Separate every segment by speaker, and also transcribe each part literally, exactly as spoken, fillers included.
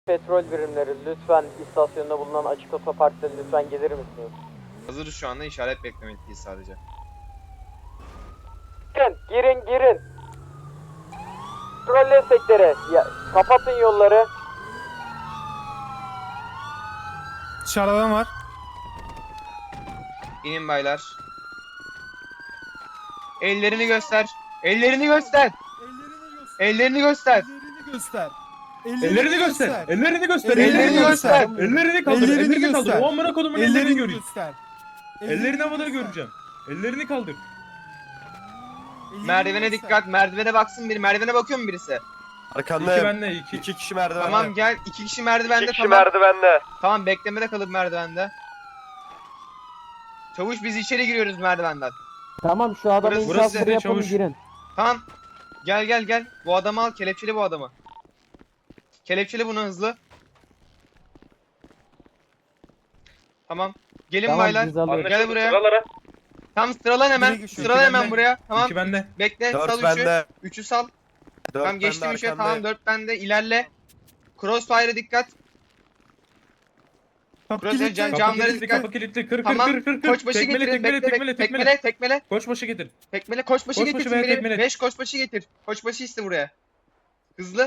Speaker 1: Petrol birimleri lütfen istasyonda bulunan açık otoparkta lütfen gelir misiniz?
Speaker 2: Hazırız şu anda, işaret beklemekteyiz sadece.
Speaker 1: Girin, girin, girin. Petrol destekleri, ya, kapatın yolları.
Speaker 3: Dışarıda adam var.
Speaker 2: İnin baylar. Ellerini göster. Ellerini göster. Ellerini göster.
Speaker 3: Ellerini göster.
Speaker 4: Ellerini göster. Ellerini göster.
Speaker 2: Ellerini göster.
Speaker 4: Ellerini kaldır.
Speaker 3: Ellerini
Speaker 4: Ellerini kaldır.
Speaker 3: göster.
Speaker 4: O amına kodumun ellerini
Speaker 3: Ellerini
Speaker 4: göreyim.
Speaker 3: göster.
Speaker 4: Ellerini havada göreceğim. Ellerini kaldır.
Speaker 3: Ellerini
Speaker 2: Merdivene
Speaker 3: göster.
Speaker 2: dikkat. Merdivene baksın biri. Merdivene bakıyor mu birisi?
Speaker 5: Arkanda
Speaker 4: İki benle iki.
Speaker 5: iki kişi merdivende.
Speaker 2: Tamam gel. İki kişi merdivende.
Speaker 5: İki kişi
Speaker 2: tamam.
Speaker 5: merdivende.
Speaker 2: Tamam, beklemede kalıp merdivende. Çavuş, biz içeri giriyoruz merdivenden.
Speaker 1: Tamam, şu adamı
Speaker 2: Burası-
Speaker 4: burası
Speaker 1: infazları
Speaker 4: de
Speaker 1: yapalım,
Speaker 4: çavuş.
Speaker 1: girin.
Speaker 2: Tamam. Gel gel gel. Bu adamı al. Kelepçeli bu adamı. Kelepçeli bunu hızlı. Tamam. Gelin
Speaker 1: Tamam,
Speaker 2: baylar.
Speaker 1: biz alıyoruz.
Speaker 2: Gel buraya.
Speaker 4: Sıralara.
Speaker 2: Tam sıralan hemen.
Speaker 3: Biri geçiyor.
Speaker 2: Sıralan
Speaker 4: İki
Speaker 2: hemen
Speaker 4: bende.
Speaker 2: buraya. Tamam.
Speaker 4: İki bende.
Speaker 2: Bekle. Sal
Speaker 5: Dört
Speaker 2: üçü.
Speaker 5: bende.
Speaker 2: Üçü sal.
Speaker 5: Dört
Speaker 2: Tamam,
Speaker 5: bende
Speaker 2: geçtim üçe.
Speaker 5: arkanda.
Speaker 2: Tamam, dört bende. İlerle. Crossfire'a dikkat.
Speaker 3: Kapı
Speaker 2: Burası
Speaker 3: kilitli.
Speaker 2: can-
Speaker 4: Kapı
Speaker 2: Camları
Speaker 4: kilitli,
Speaker 2: dikkat.
Speaker 4: kapı kilitli. Kır kır
Speaker 2: Tamam.
Speaker 4: kır kır kır.
Speaker 2: Koçbaşı
Speaker 4: Tekmele,
Speaker 2: getirin.
Speaker 4: tekmele,
Speaker 2: Bekle,
Speaker 4: tekmele,
Speaker 2: bekle.
Speaker 4: tekmele.
Speaker 2: Tekmele, tekmele.
Speaker 4: Koçbaşı getir.
Speaker 2: Tekmele. Koçbaşı
Speaker 4: Koçbaşı
Speaker 2: getirsin
Speaker 4: veya
Speaker 2: biri.
Speaker 4: tekmele.
Speaker 2: Beş koçbaşı getir. Koçbaşı iste buraya. Hızlı.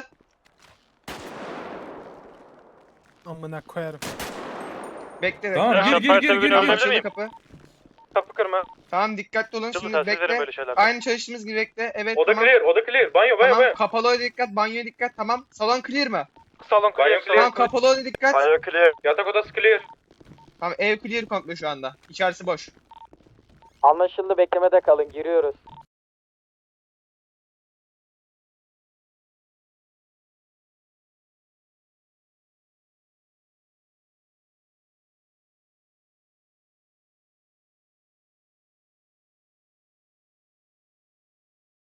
Speaker 3: Amına koyarım.
Speaker 2: Bekle.
Speaker 4: Tamam,
Speaker 2: bekle.
Speaker 4: gir, gir, gir, gir,
Speaker 2: Tamam,
Speaker 4: gir.
Speaker 2: açıldı kapı.
Speaker 5: Kapı kırma.
Speaker 2: Tamam, dikkatli olun.
Speaker 5: Çabuk
Speaker 2: Şimdi
Speaker 5: telsiz verin
Speaker 2: bekle.
Speaker 5: böyle şeyler.
Speaker 2: Aynı çalıştığımız gibi bekle. Evet,
Speaker 4: Oda
Speaker 2: tamam.
Speaker 4: clear, oda clear. Banyo, banyo,
Speaker 2: Tamam,
Speaker 4: banyo.
Speaker 2: kapalı odaya dikkat, banyoya dikkat. Tamam. Salon clear mı?
Speaker 5: Salon
Speaker 4: Banyo
Speaker 5: clear.
Speaker 4: clear.
Speaker 2: Tamam, kapalı odaya dikkat.
Speaker 5: Banyo clear.
Speaker 4: Yatak odası clear.
Speaker 2: Tamam, ev clear komple şu anda. İçerisi boş.
Speaker 1: Anlaşıldı, beklemede kalın, giriyoruz.